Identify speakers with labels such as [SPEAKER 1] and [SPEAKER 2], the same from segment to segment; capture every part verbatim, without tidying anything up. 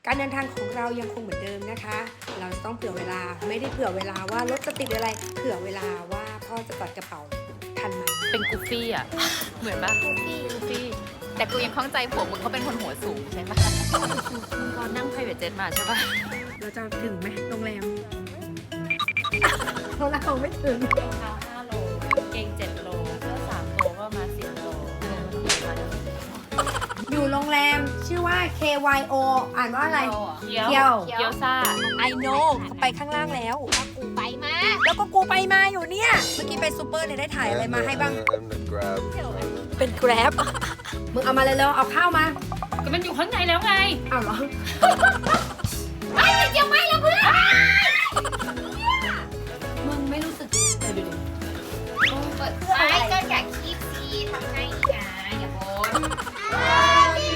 [SPEAKER 1] การเดินทางของเรายังคงเหมือนเดิมนะคะ เราจะต้องเผื่อเวลาไม่ได้เผื่อเวลาว่ารถจะติดอะไร เผื่อเวลาว่าพ่อจะตัดกระเป๋าทันไหม
[SPEAKER 2] เป็นกูฟี่อ่ะ เหมือนปะกูฟี่กูฟี่แต่กูยังข้องใจผัวมึงเขาเป็นคนหัวสูงใช่ปะมึงก็นั่ง private jet มาใช่ปะ
[SPEAKER 1] เราจะถึงไหมโรงแรม เราเราไม่ถึง
[SPEAKER 2] รองเท้าห้าโลเกงเจ็ดโลเสื้อสามโลก็มาสิบโล
[SPEAKER 1] อยู่โรงแรมชื่อว่า เค วาย โอ อ่านว่าอะไร
[SPEAKER 2] เกี๊ยว
[SPEAKER 1] เกี๊ยว
[SPEAKER 2] เกี๊ยวซ่า
[SPEAKER 1] I know เขาไปข้างล่างแล้ว
[SPEAKER 3] กูไปมา
[SPEAKER 1] แล้วก็กูไปมาอยู่เนี่ย เมื่อกี้ไปซูเปอร์เนี่ยได้ถ่ายอะไรมาให้บ้าง
[SPEAKER 4] And the grab.
[SPEAKER 1] เป็นแกร็บ มึงเอามาเลยเร็วๆเอาข้าวมา
[SPEAKER 2] ก็มันอยู่ข้างในแล้วไง
[SPEAKER 1] เอาเหรอ
[SPEAKER 3] ไอ้เจียวไม่แล้วเพื่อน
[SPEAKER 1] มึงไม่รู้สึกเออดูดิ
[SPEAKER 3] เปิดไอ้ก็อยากคีบซีทำไงอีกอ่ะอย่าบ่น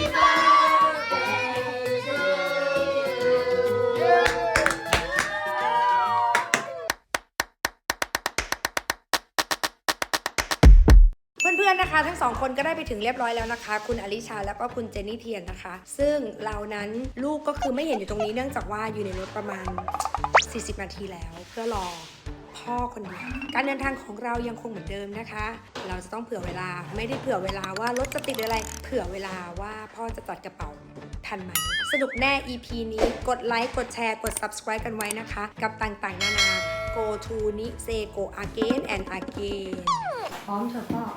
[SPEAKER 1] เพื่อนๆนะคะ ทั้งสองคนก็ได้ไปถึงเรียบร้อยแล้วนะคะ คุณอลิชาแล้วก็คุณเจนนี่เทียนนะคะ ซึ่งเรานั้นลูกก็คือไม่เห็นอยู่ตรงนี้เนื่องจากว่าอยู่ในรถประมาณ สี่สิบ นาทีแล้ว เพื่อรอพ่อคนเดียวการเดินทางของเรายังคงเหมือนเดิมนะคะ เราจะต้องเผื่อเวลาไม่ได้เผื่อเวลาว่ารถจะติดอะไร เผื่อเวลาว่าพ่อจะตัดกระเป๋าทันไหมสนุกแน่ อี พี นี้กดไลค์กดแชร์กด subscribe กันไว้นะคะ กับต่างๆนานา go to นิเซ go again and again พร้อมเถอะพ่อ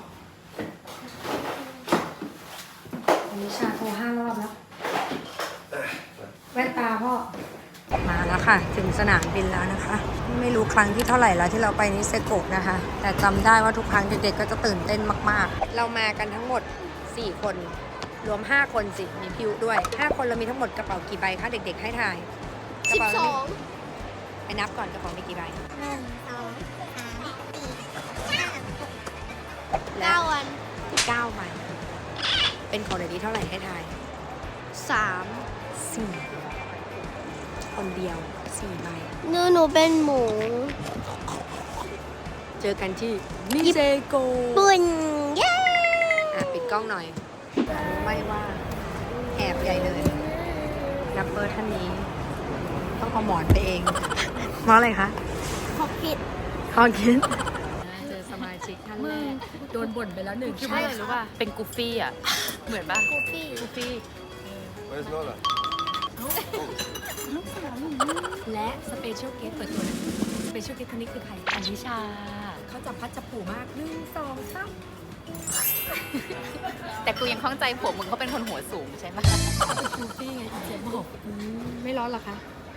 [SPEAKER 1] อนิชาโทรห้ารอบแล้ว แว่นตาพ่อ มาแล้วค่ะ ถึงสนามบินแล้วนะคะ ไม่รู้ครั้งที่เท่าไหร่แล้วที่เราไปนิเซโกะนะคะ แต่จำได้ว่าทุกครั้งเด็กๆก็จะตื่นเต้นมากๆ เรามากันทั้งหมด สี่ คน รวม ห้า คนสิ มีพิวด้วย ห้า คนเรามีทั้งหมดกระเป๋ากี่ใบคะเด็กๆให้ถ่ายกระ
[SPEAKER 3] สิบ
[SPEAKER 1] เป๋า
[SPEAKER 3] สอง
[SPEAKER 1] ไปนับก่อนกระเป๋ามีกี่ใบ
[SPEAKER 3] หนึ่งสองสามสี่ห้า
[SPEAKER 1] และ
[SPEAKER 3] เก้าวัน
[SPEAKER 1] เก้าใบเป็นของเด็กดีเท่าไหร่ให้ถ่าย
[SPEAKER 3] สาม
[SPEAKER 1] สี่ คนเดียว สี่ ใบ
[SPEAKER 3] หนูหนูเป็นหมู
[SPEAKER 1] เจอกันที่นิเซโก
[SPEAKER 3] บุญเย้
[SPEAKER 1] อ่ะปิดกล้องหน่อยรู้ไหมว่าแอบใหญ่เลยนับเบอร์ท่านนี้ ต้องเอาหมอนไปเอง เพราะอะไรคะ
[SPEAKER 3] ขอผิด
[SPEAKER 1] ขอคิดเจอสมาชิกท่านแรกโดนบ่นไปแล้วหนึ่ง
[SPEAKER 2] คิดว่าอะไรรู้ป่ะ เป็นกูฟี่อ่ะ เหมือนปะ
[SPEAKER 3] กูฟี่
[SPEAKER 2] กูฟี่
[SPEAKER 4] Where's Lola?
[SPEAKER 1] และสเปเชียลเกสเปิดตัวเลยสเปเชียลเกสคนนี้คือใคร
[SPEAKER 2] อนิชา
[SPEAKER 1] เขาจับพัดจับผูมากหนึ่งสองสาม
[SPEAKER 2] แต่กูยังข้องใจผัวมึงเขาเป็นคนหัวสูงใช่ปะ
[SPEAKER 1] คูฟี่ไงอีเจมบอกอืมไม่ร้อนเหรอคะ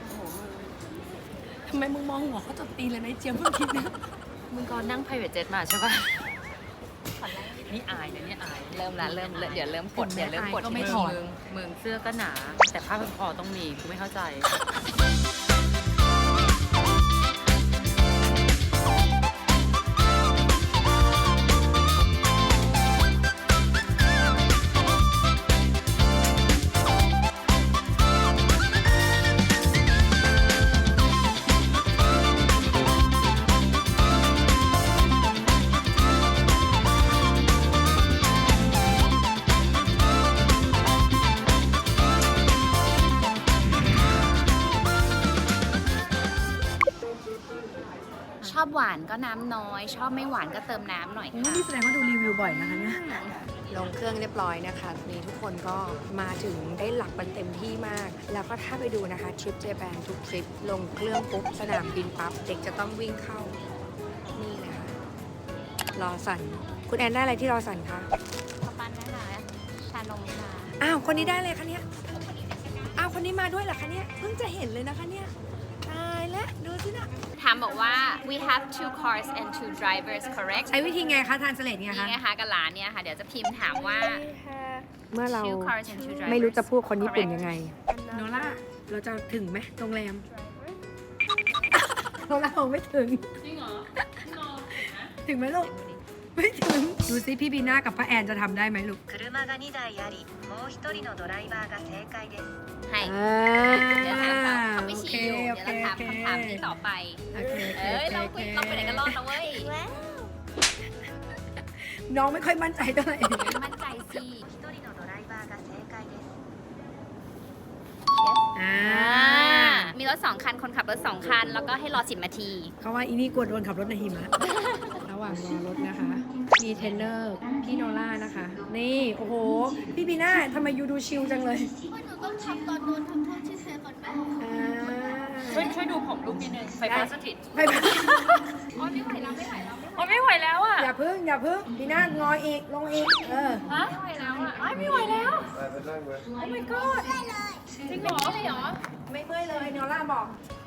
[SPEAKER 1] ทำไมมึงมองหัวเขาจนตีเลยนะเจียมเพิ่งคิดนะ
[SPEAKER 2] มึงก็นั่ง private jet มาใช่ปะนี่อายนะเนี่ยอาย เริ่มละเริ่มเดี๋ยวเริ่มปลดเดี๋ยวเริ่มปลด
[SPEAKER 1] ก็ไม่ถอด
[SPEAKER 2] มึงมึงเสื้อก็หนา แต่ผ้าพันคอต้องมีกูไม่เข้าใจ ชอบหวานก็น้ำน้อย ชอบไม่หวานก็เติมน้ำหน่อยค่ะ
[SPEAKER 1] นี่แสดงว่าดูรีวิวบ่อยนะคะเนี่ยลงเครื่องเรียบร้อยนะคะทีนี้ทุกคนก็มาถึงได้หลับกันเต็มที่มาก แล้วก็ถ้าไปดูนะคะทริปเจแปนทุกทริปลงเครื่องปุ๊บสนามบินปั๊บเด็กจะต้องวิ่งเข้านี่เลยค่ะรอสันคุณแอนได้อะไรที่รอสันคะ
[SPEAKER 3] ขอปันนะคะชานมค่ะ
[SPEAKER 1] อ้าวคนนี้ได้เลยคะเนี่ยอ้าวคนนี้มาด้วยเหรอคะเนี่ยเพิ่งจะเห็นเลยนะคะเนี่ยตายแล้วดูสินะ
[SPEAKER 2] ถามบอกว่า we have two cars and two drivers correct
[SPEAKER 1] ใช้วิธีไงคะทานสเลดไง
[SPEAKER 2] นี่
[SPEAKER 1] คะ
[SPEAKER 2] ไงคะกับหลานเนี่ยค่ะ เดี๋ยวจะพิมพ์ถามว่า
[SPEAKER 1] เมื่อเรา
[SPEAKER 2] two cars and two drivers
[SPEAKER 1] ไม่รู้จะพูดคนญี่ปุ่นยังไง
[SPEAKER 3] โน
[SPEAKER 1] โนล่า เราจะถึงไหมโรงแรม โนล่าคงไม่ถึง
[SPEAKER 2] จริงเหรอ
[SPEAKER 1] ถึงไหมลูก ไม่ถึง ดูซิพี่บีน่ากับป้าแอนจะทำได้ไหมลูก
[SPEAKER 5] 車がにだいあり、もうひとりのドライバーが正解です。
[SPEAKER 2] ให้
[SPEAKER 1] อ่า
[SPEAKER 2] เดี๋ยวถามเขาเขาไม่
[SPEAKER 1] โอเค
[SPEAKER 2] ชี้อยู่
[SPEAKER 1] โอ
[SPEAKER 2] เดี๋ยว
[SPEAKER 1] เค
[SPEAKER 2] เราถาม
[SPEAKER 1] โอเค
[SPEAKER 2] คำถามนี้ต่อไป
[SPEAKER 1] โอเคโอเค
[SPEAKER 2] เอ้ย เราคุยเราไปไหนกันรอดนะเว้ย
[SPEAKER 3] ว้าว
[SPEAKER 1] น้องไม่ค่อยมั่นใจเท่าไหร่
[SPEAKER 2] มั่นใจสิ
[SPEAKER 5] ひとりのドライバーが正解です。
[SPEAKER 1] อ่า
[SPEAKER 2] มีรถสองคัน คนขับรถสองคัน แล้วก็ให้รอสิบนาที
[SPEAKER 1] เขาว่าอีนี่กลัวโดนขับรถในหิมะ ระหว่างรอรถนะคะ มีเทรนเนอร์พี่โนล่านะคะ นี่ โอ้โห พี่บีน่าทำไมยูดูชิลจังเลย
[SPEAKER 3] ว่าหนูต้องทำตอนโดนทำโทษที่เซฟก่อนไหม
[SPEAKER 1] อ่า
[SPEAKER 2] ช่วยช่วยดูผมลูกนิดนึง ไฟฟ้าสถิต
[SPEAKER 1] ไปไป
[SPEAKER 3] อ๋อไม่ไหวแล้วไม่ไหวแล้ว
[SPEAKER 2] โอ้ไม่ไหวแล้วอ่ะ
[SPEAKER 1] อย่าพึ่ง อย่าพึ่งบีน่างออีก ลงอีก เออ
[SPEAKER 2] ฮะ ไม่ไหวแล้วอ่ะอ้ายไม่ไหวแล้ว โอ้ my god จริงเหรอ
[SPEAKER 3] ไม่เหรอ
[SPEAKER 1] ไม่เมื่อยเลยโนล่าบอก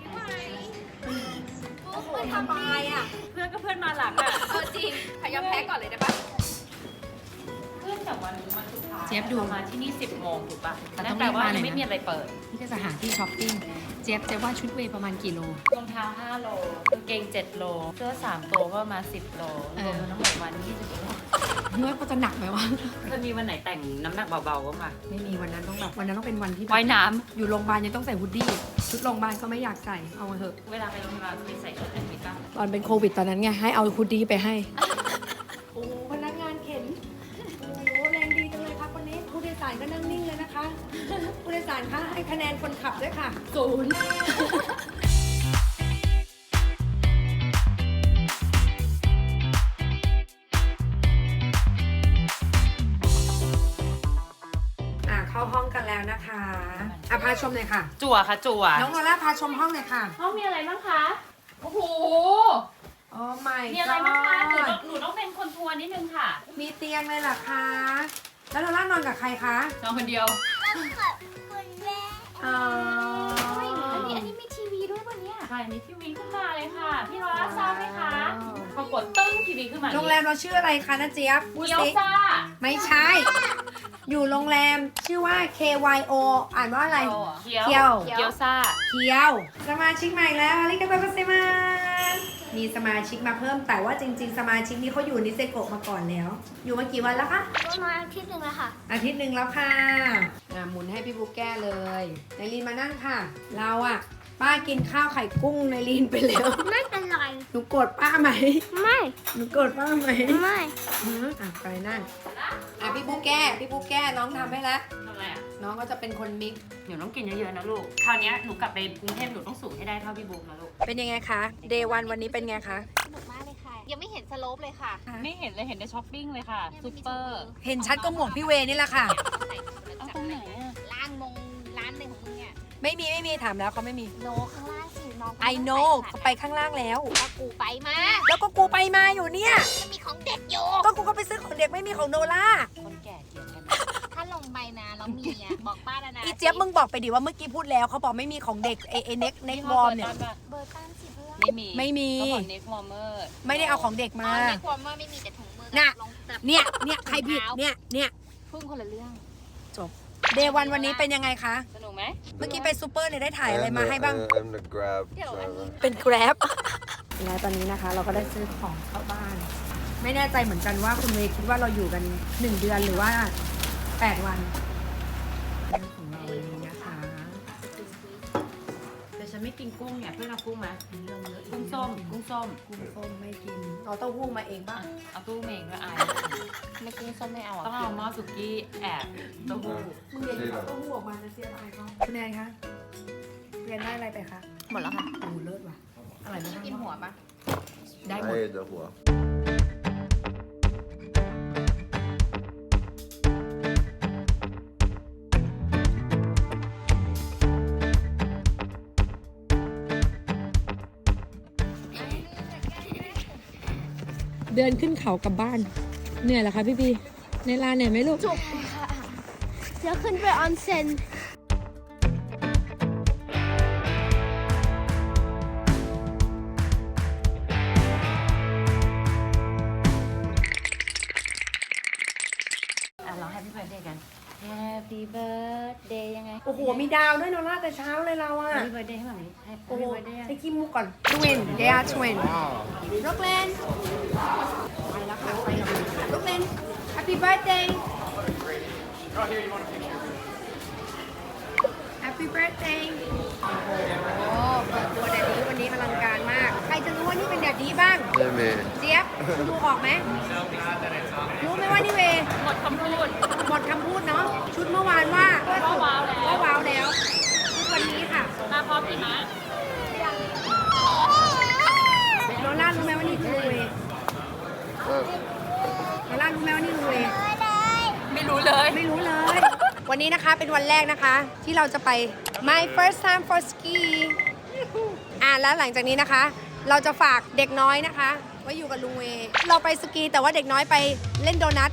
[SPEAKER 3] โอ้โห
[SPEAKER 1] ทำบายอ่ะ
[SPEAKER 2] เพื่อนก็เพื่อนมาหลังอ่ะ
[SPEAKER 3] เออจริงพยายามแพ้ก่อนเลยได้ปะ
[SPEAKER 2] เพื่อนจากวันนี้วันสุดท้าย
[SPEAKER 1] เจี๊ยบดู
[SPEAKER 2] ประมาณที่นี่สิบโมงถูกป่ะ
[SPEAKER 1] แต่ต้อง
[SPEAKER 2] นั่นแปลว่า
[SPEAKER 1] รีบมาหน่อยนะ
[SPEAKER 2] ยังไม่มีอะไรเปิด
[SPEAKER 1] นี่จะสถานที่ช้อปปิ้ง เจี๊ยบเจ๊ว่าชุดเวย์ประมาณกี่โล
[SPEAKER 2] รองเท้าห้าโลกางเกงเจ็ดโล เสื้อสามตัวก็ประมาณสิบโล
[SPEAKER 1] เอ
[SPEAKER 2] ร
[SPEAKER 1] อ
[SPEAKER 2] วมทั้งหมดวันยี่สิบโล
[SPEAKER 1] เมื่อก็จะหนักไหมวะ
[SPEAKER 2] เคยมีวันไหนแต่งน้ำหนักเบาๆบ้างปะ
[SPEAKER 1] ไม่มีวันนั้นต้องแบบวันนั้นต้องเป็นวันที่แบบ
[SPEAKER 2] ว่ายน้
[SPEAKER 1] อยู่โรงพยาบาลยังต้องใส่ฮูดดี้ ชุดโรงพยาบาลก็ไม่อยากใส่ เอามาเถอะ
[SPEAKER 2] ำเวลาไปโรงพยาบาลเคยใส่ชุดแอดมิดป่ะ
[SPEAKER 1] ตอนเป็นโควิดตอนนั้นไง ให้เอาฮูดดี้ไปให้ โอ้โหพนักงานเข็น โอ้โหแรงดีจังเลยครับวันนี้ ผู้โดยสารก็นั่งนิ่งเลยนะคะ ผู้โดยสารคะให้คะแนนคนขับด้วยค่ะศูนย์ อ่ะเข้าห้องกันแล้วนะคะอ่ะพาชมหน่อยค่ะ
[SPEAKER 2] จั่วค่ะจั่ว
[SPEAKER 1] น้องโนล่าพาชมห้องหน่อยค่ะ
[SPEAKER 2] ห้องมีอะไรบ้างคะ โอ้โห
[SPEAKER 1] โอ้ my
[SPEAKER 2] มีอะไรบ้างคะหนู
[SPEAKER 1] god
[SPEAKER 2] ต้องหนูต้องเป็นคนทัวร์นิดนึงค่ะ
[SPEAKER 1] มีเตียงเลยเหรอคะ แล้วโนล่านอนกับใครคะ
[SPEAKER 2] นอนคนเดียว
[SPEAKER 3] คุณแม่
[SPEAKER 1] อ๋อ
[SPEAKER 3] อันนี้อันนี้มีทีวีด้วยวันเนี้ย
[SPEAKER 2] ใช่ มีทีวีขึ้นมาเลยค่ะ พี่ลอร่าทราบไหมคะปรากฏตึ้งทีวีขึ้นมา
[SPEAKER 1] โรงแรมเราชื่ออะไรคะนะเจี๊ยบพูด
[SPEAKER 2] เกียว
[SPEAKER 1] สิ
[SPEAKER 2] ซ่า
[SPEAKER 1] ไม่ใช่ อยู่โรงแรมชื่อว่า เค วาย โอ อ่านว่าอะไร
[SPEAKER 2] เกียว
[SPEAKER 1] เกียว
[SPEAKER 2] เกียวซ่า
[SPEAKER 1] เคียว สมาชิกใหม่แล้วอาริกาโตโกเซมามีสมาชิกมาเพิ่ม แต่ว่าจริง ๆ สมาชิกนี้เขาอยู่นิเซโกะมาก่อนแล้ว อยู่มากี่วันแล้วคะ
[SPEAKER 3] ประมาณอาทิตย์หนึ่งแล้วค่ะ
[SPEAKER 1] อาทิตย์หนึ่งแล้วค่ะอ่ะหมุนให้พี่บุ๊กแก้เลยนายลีนมานั่งค่ะ เราอะป้ากินข้าวไข่กุ้งนายลีนไปแล้ว
[SPEAKER 3] ไม่เป็นไร
[SPEAKER 1] หนูโกรธป้าไหม
[SPEAKER 3] ไม่
[SPEAKER 1] หนูโกรธป้าไหม
[SPEAKER 3] ไม่
[SPEAKER 1] อืมอ่ะไปนั่งอ่ะพี่บุ๊กแก้พี่บุ๊กแก้น้องทำให้แล้ว
[SPEAKER 2] ทำอะไรอ่ะ
[SPEAKER 1] น้องก็จะเป็นคนมิกซ์
[SPEAKER 2] หนูต้องกินเยอะๆนะลูก คราวเนี้ยหนูกลับไปกรุงเทพหนูต้องสูงให้ได้เท่าพี่บุ๊กนะลูก
[SPEAKER 1] เป็นยังไงคะเดย์วันวันนี้เป็นไงคะ
[SPEAKER 3] สนุกมากเลยค่ะ ยังไม่เห็นสโลปเลยค่ะ
[SPEAKER 2] ไม่เห็นเลยเห็นในช้อปปิ้งเลยค่ะซูเปอร์
[SPEAKER 1] เห็นชัดก็หมวกพี่เวนี่แหละค่ะ
[SPEAKER 2] เอาตรงไหนอ่ะ
[SPEAKER 3] ร้านมงร้านหนึ่งของมึงเนี่ย
[SPEAKER 1] ไม่มีไม่มีถามแล้วเขาไม่มี
[SPEAKER 3] โนข้างล่างสิน้อง
[SPEAKER 1] I know เขาไปข้างล่างแล้ว
[SPEAKER 3] ก็กูไปมา
[SPEAKER 1] แล้วก็กูไปมาอยู่เนี่ย
[SPEAKER 3] จะมีของเด็กอยู่
[SPEAKER 1] ก็กูก็ไปซื้อของเด็กไม่มีของโนล่า
[SPEAKER 2] คนแก่เถียงกัน
[SPEAKER 3] ถ้าลงไปนะแล้วมีอ่ะ บอกป้าแล้วนะ
[SPEAKER 1] อีเจี๊ยบมึงบอกไปดิว่าเมื่อกี้พูดแล้วเขาบอกไม่มีของเด็กเอเอเน็กเน็กวอร์มเนี่ย
[SPEAKER 3] เบอร์ตันสิเพื่อน
[SPEAKER 2] ไม่มี
[SPEAKER 1] ไม่มี
[SPEAKER 2] เขาบอกเน็กวอร์เมอร์
[SPEAKER 1] ไม่ได้เอาของเด็ก
[SPEAKER 3] อ๋
[SPEAKER 1] มา
[SPEAKER 3] อในความว่าไม่มีแต่ถุงมือ
[SPEAKER 1] น่ะ
[SPEAKER 3] ลงแบบ
[SPEAKER 1] เนี่ยเนี่ยใครผิดเนี่ยเนี่ย
[SPEAKER 3] พึ่งคนละเรื่อง
[SPEAKER 1] จบเดย์วันวันนี้เป็นยังไงคะ
[SPEAKER 2] สนุกไหม
[SPEAKER 1] เมื่อกี้ไปซูเปอร์เลยได้ถ่ายอะไรมาให้บ้าง
[SPEAKER 4] I'm the Grab
[SPEAKER 3] เดี๋ยวอันนี้
[SPEAKER 4] driver.
[SPEAKER 1] เป็น Grab และตอนนี้นะคะเราก็ได้ซื้อของเข้าบ้าน ไม่แน่ใจเหมือนกันว่าคุณเมย์คิดว่าเราอยู่กันหนึ่งเดือนหรือว่าแปดวันเรื่องของเราวันนี้นะคะ
[SPEAKER 2] แต่ฉันไม่กินกุ้งเนี่ยเพื่อนเอากุ้งไหม
[SPEAKER 1] เรื่องเยอะอีก
[SPEAKER 2] กุ้งส้ม กุ้งส้ม
[SPEAKER 1] กุ้งส้มไม่กินเอาเต้าหู้มาเองป่ะ
[SPEAKER 2] เอาตู้เมงก็อาย
[SPEAKER 3] ไม่กุ้งส้มไม่เอา
[SPEAKER 2] ต้อง
[SPEAKER 3] อ่ะ
[SPEAKER 2] เอาหม้อสุกี้แอบเต้าหู้
[SPEAKER 1] มึงเรียนเอาเต้าหู้ออกมาจะเสียดายเขาคุณแนนคะเรียนได้อะไรไปคะ
[SPEAKER 3] หมดแล้วค่ะ
[SPEAKER 1] โอ้โหเลิศว่ะอร่อยมาก
[SPEAKER 3] กินหัวปะ
[SPEAKER 1] ได้หมด
[SPEAKER 4] I ate the hua.
[SPEAKER 1] เดินขึ้นเขากลับบ้าน เหนื่อยเหรอคะพี่พีในลานเหนื่อยไหมลูก
[SPEAKER 3] จุกค่ะเดี๋ยวขึ้นไปออนเซ็น
[SPEAKER 2] อ่ะเรา Happy Birthday กัน Happy Birthday ยังไง
[SPEAKER 1] โอ้โห มีดาวด้วยโนล่าแต่เช้าเลยเราอะ
[SPEAKER 2] Happy Birthday ให้แบบนี้
[SPEAKER 1] โอ้
[SPEAKER 2] Happy
[SPEAKER 1] โห
[SPEAKER 2] Birthday
[SPEAKER 1] ใช้ขี้มูกก่อน twin they are twin ลูกเลนไปแล้วค่ะไปแล้วลูกเลน Happy birthday Happy birthday โอ้โหเปิดตัวแดดดี้วันนี้อลังการมาก ใครจะรู้ว่านี่เป็นแดดดี้บ้าง
[SPEAKER 4] Hey man.
[SPEAKER 1] เจี๊ยบคุณดูออกไหมรู้ไหมว่านี่เว
[SPEAKER 2] หมดคำพูด
[SPEAKER 1] หมดคำพูดเนาะชุดเมื่อวานว่า
[SPEAKER 2] ก็ว้าวแล้ว
[SPEAKER 1] ก็ว้าวแล้วนี้นะคะเป็นวันแรกนะคะ ที่เราจะไป my first time for ski อ่าแล้วหลังจากนี้นะคะ เราจะฝากเด็กน้อยนะคะไว้อยู่กับลุงเวเราไปสกีแต่ว่าเด็กน้อยไปเล่นโดนัท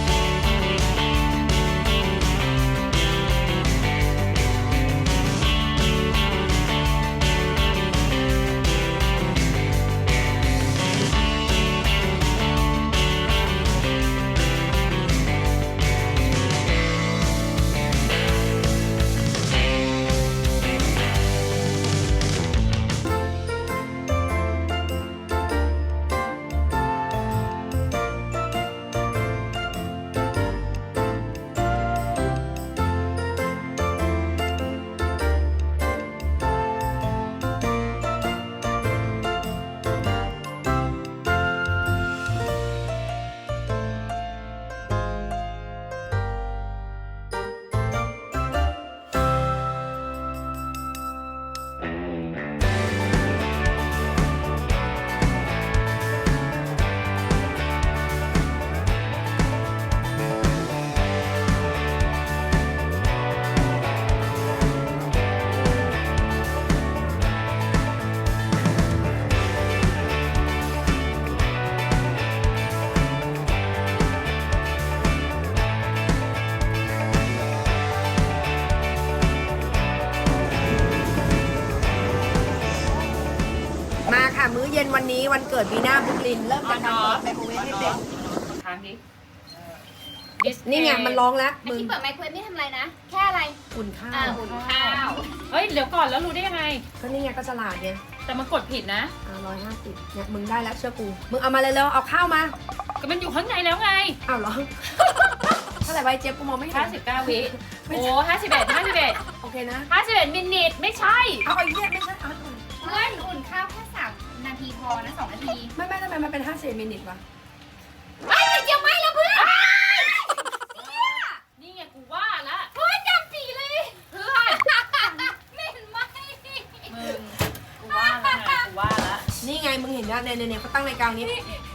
[SPEAKER 1] มาค่ะมื้อเย็นวันนี้วันเกิดวีน่าบุกลินเริ่มจากการเปิดไมโครเวฟให้เป็น
[SPEAKER 2] ทางนี้
[SPEAKER 1] นี่ไงมันร้องแล้ว
[SPEAKER 3] อัน
[SPEAKER 1] มึง
[SPEAKER 3] ที่เปิดไมโครเวฟไม่ทำอะไรนะ แค่อะไร
[SPEAKER 1] อุ่นข้า
[SPEAKER 3] อ่าว อุ่นข้าว
[SPEAKER 2] เฮ้ยเดี๋ยวก่อนแล้วรู้ได้ยังไง
[SPEAKER 1] ก็นี่ไงก็ฉลาดไง
[SPEAKER 2] แต่มันกดผิดนะ
[SPEAKER 1] อ่าร้อยห้าสิบเนี่ยมึงได้แล้วเชื่อกูมึงเอามาเลยเร็วเอาข้าวมา
[SPEAKER 2] ก็มันอยู่ข้างในแล้วไง
[SPEAKER 1] อ้าวเหรอ เท่าไหร่ไว้เจ๊ยบกูมองไม่เห็น
[SPEAKER 2] ห้าสิบเก้าวิโอ้ห้าสิบเอ็ดห้าสิบเอ็ด
[SPEAKER 1] โอเคนะ
[SPEAKER 2] ห้าสิบเอ็ดมินิทไม่ใช่
[SPEAKER 1] เอาไอ้เนี่ยไม่ใช่เอา
[SPEAKER 3] เพื่อนอุ่นข้าวแค่สามนาทีพอนะสองนาที
[SPEAKER 1] ไม่ไม่ทำไมมันเป็นห้าสิบมินิทวะ
[SPEAKER 3] ไม่เดี๋ยวไม่แล้วเพื่อน
[SPEAKER 2] นี่ไงกูว่าละ
[SPEAKER 3] เพื่อนจำปีเลย
[SPEAKER 2] เพื่อน
[SPEAKER 3] ไม่เห็นไหม
[SPEAKER 2] มึงกูว่าละไงกูว่าละ
[SPEAKER 1] นี่ไงมึงเห็นนะเนี่ยเนี่ยเนี่ยเขาตั้งรายการนี้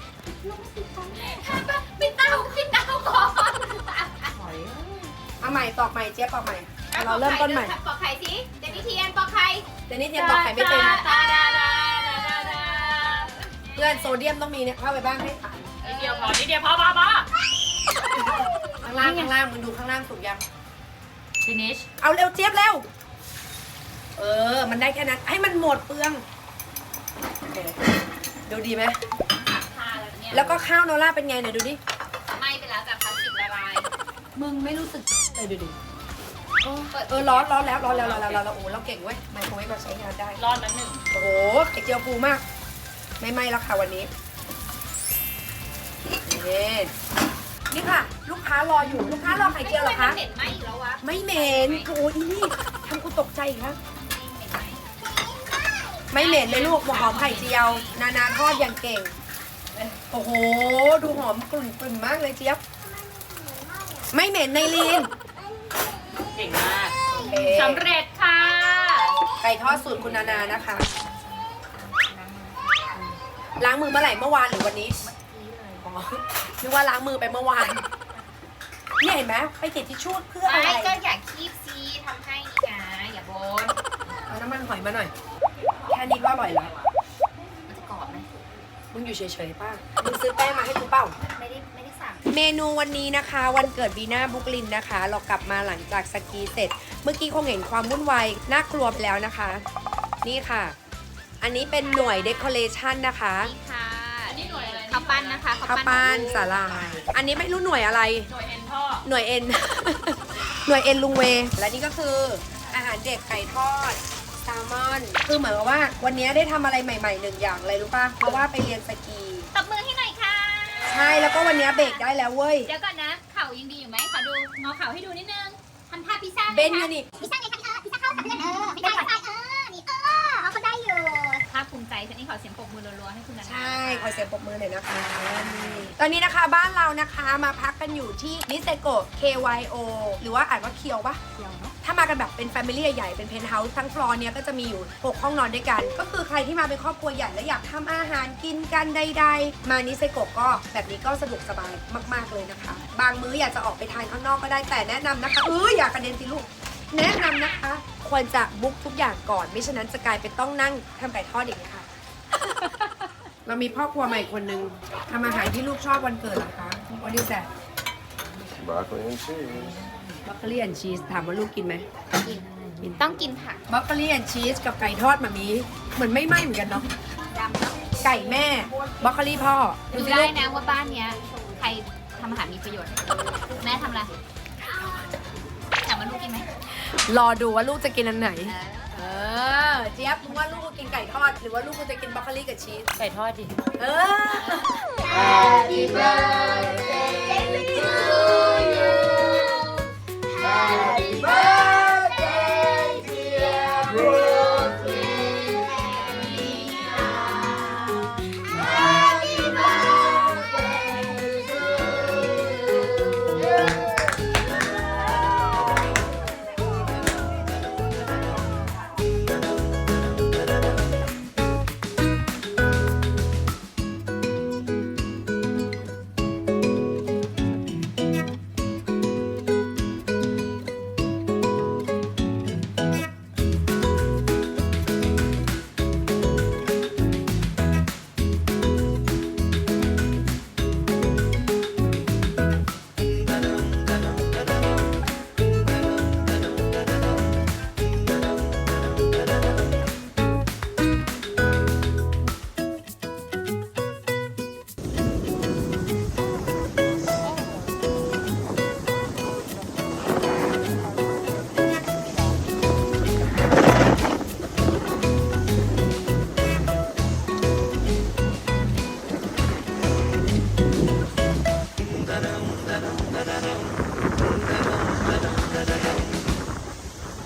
[SPEAKER 3] ปิดเตาปิดเตาก่อน
[SPEAKER 1] เอาใหม่ตอกใหม่เจ๊ยบตอกใหม่เอาเราเริ่มต้นใหม่
[SPEAKER 3] ปอกไข่สิเจนนี่เทียนปอกไข่
[SPEAKER 1] แต่นี่เทียนตอกไข่ไม่เป็น
[SPEAKER 3] ตาดาดาดาดา
[SPEAKER 1] เพื่อนโซเดียมต้องมีเนี่ยเข้าไปบ้างให้ผ่าน
[SPEAKER 2] นิดเดียวพอนิดเดียวพอพอพอ
[SPEAKER 1] ข้างล่างข้างล่างมึงดูข้างล่างสุกยัง
[SPEAKER 2] finish
[SPEAKER 1] เอาเร็วเจี๊ยบเร็ว เออ มันได้แค่นั้น ให้มันหมดเปลืองโอเคดูดีไหม
[SPEAKER 3] ทาแล้วเนี่ย
[SPEAKER 1] แล้วก็ข้าวโนล่าเป็นไงไหนดูดิ
[SPEAKER 3] ไหม้ไปแล้วจากพลาสติกละลาย
[SPEAKER 1] มึงไม่รู้สึกเลยดูดิ
[SPEAKER 3] ปิด
[SPEAKER 1] เออร้อนร้อนแล้วร้อนแล้วร้อนแล้วร้อนแล้วโอ้โหเราเก่งเว้ยไมโครเวฟเราใช้งานได้
[SPEAKER 2] รอดแล้วหนึ่ง
[SPEAKER 1] โอ้โหไข่เจียวฟูมาก ไม่ไหม้แล้วค่ะวันนี้นี่นี่ค่ะ ลูกค้ารออยู่ ลูกค้ารอไข่เจียวเหรอคะ
[SPEAKER 3] ไม่เหม็นไหมอีกแล้ววะ
[SPEAKER 1] ไม่เหม็นโอ้ยอีนี่ทำกูตกใจอีกครับ
[SPEAKER 3] ไม่เหม็นไหม
[SPEAKER 1] ไม่เหม็นเลยลูกหอมไข่เจียว นานาทอดอย่างเก่ง โอ้โห ดูหอมกลุ่นกลุ่นมากเลยเจี๊ยบ ไม่เหม็นในลีน
[SPEAKER 2] เก่งมาก
[SPEAKER 1] โอเค
[SPEAKER 2] สำเร็จค่ะ
[SPEAKER 1] ไก่ทอดสูตรคุณนานานะคะ ล้างมือเมื่อไหร่เมื่อวานหรือวันนี้อ๋อนึกว่าล้างมือไปเมื่อวานเนี่ยเห็นไหมไปเก็บทิชชู่เพื่ออะไร
[SPEAKER 3] ไม่ก็อยากคีบซีทำให้นี่ไงอย่าบ่น
[SPEAKER 1] เอาน้ำมันหอยมาหน่อย แค่นี้ก็อร่อยแล้ว
[SPEAKER 3] มันจะกรอบไหม
[SPEAKER 1] มึงอยู่เฉยๆป้ามึงซื้อแป้งมาให้กูเปล่า
[SPEAKER 3] ไม่ได้ไม่ได้สั่ง
[SPEAKER 1] เมนูวันนี้นะคะ วันเกิดบีน่าบุกลินนะคะ เรากลับมาหลังจากสกีเสร็จ เมื่อกี้คงเห็นความวุ่นวายน่ากลัวไปแล้วนะคะ นี่ค่ะ อันนี้เป็นหน่วยเดคอเรชันนะคะ
[SPEAKER 3] นี่ค่ะ
[SPEAKER 2] อันนี้หน่วยอะไร
[SPEAKER 3] ข้าวปั้นนะคะ
[SPEAKER 1] ข้าวปั้นสาลายอันนี้ไม่รู้หน่วยอะไร
[SPEAKER 2] หน่วยเอ็นพ่อ
[SPEAKER 1] หน่วยเอ็น หน่วยเอ็นลุงเว และนี่ก็คืออาหารเด็กไก่ทอดแซลมอน คือเหมือนกับว่าวันนี้ได้ทำอะไรใหม่ๆหนึ่งอย่างเลยรู้ป่ะ เพราะว่าไปเรียนสกี
[SPEAKER 3] ตบมือให้หน่อยค่ะ
[SPEAKER 1] ใช่ แล้วก็วันนี้เบรกได้แล้วเว้ย
[SPEAKER 3] เดี๋ยวก่อนนะ เข่ายังดีอยู่ไหมขอดูงอเข่าให้ดูนิดนึงทำท่าพิซซ่า
[SPEAKER 1] เบนอยู่นี่
[SPEAKER 3] พิซซ่าไงคะพิซซ่าเข้ากับเพื่อนเออพิซซ่าไงเออนี่เออเขาได้อยู่ภาคภูมิใจฉันนี่ขอเสียงปรบมือรัวๆให้คุณนัน
[SPEAKER 1] ใช่ ขอเสียงปรบมือหน่อยนะคะนี่ตอนนี้นะคะบ้านเรานะคะมาพักกันอยู่ที่นิเซโกะ เค วาย โอ หรือว่าอ่านว่าเคียวปะ
[SPEAKER 3] เดียวเนาะ
[SPEAKER 1] ถ้ามากันแบบเป็นแฟมิลี่ใหญ่ๆเป็นเพนท์เฮาส์ทั้งฟลอร์เนี้ยก็จะมีอยู่หกห้องนอนด้วยกันก็คือใครที่มาเป็นครอบครัวใหญ่แล้วอยากทำอาหารกินกันใดๆมานิเซโกะก็แบบนี้ก็สะดวกสบายมากๆเลยนะคะบางมื้ออยากจะออกไปทานข้างนอกก็ได้แต่แนะนำนะคะเอออยากกระเด็นสิลูกแนะนำนะคะควรจะบุ๊กทุกอย่างก่อนไม่ฉะนั้นจะกลายเป็นต้องนั่งทำไก่ทอดอย่างนี้ค่ะ เรามีพ่อครัวใหม่คนหนึ่งทำอาหารที่ลูกชอบวันเกิดเหรอคะวันนี้แซ่
[SPEAKER 4] Broccoli and cheese.
[SPEAKER 1] บัคเกอรี่แอนชีสถามว่าลูกกินไหม
[SPEAKER 2] กินต้องกินผัก
[SPEAKER 1] บัคเกอรี่แอนชีสกับไก่ทอดมามีเหมือนไม่ไหม้เหมือนกันเนาะ
[SPEAKER 2] ดำเนาะ
[SPEAKER 1] ไก่แม่บัคเกอรี่พ่อ
[SPEAKER 2] ดู
[SPEAKER 1] สิ
[SPEAKER 2] ได้
[SPEAKER 1] ลูก
[SPEAKER 2] นะว่าบ้านเนี้ยใครทำอาหารมีประโยชน์ แม่ทำอะไรถามว่าลูกกินไหม
[SPEAKER 1] รอดูว่าลูกจะกินอันไหน
[SPEAKER 2] เออ
[SPEAKER 1] เออเจี๊ยบมึงว่าลูกกูกินไก่ทอดหรือว่าลูกกูจะกินบัคเกอรี่กับชีส
[SPEAKER 2] ไก่ทอดดิ
[SPEAKER 1] เออ
[SPEAKER 3] Happy birthday to you Happy birthday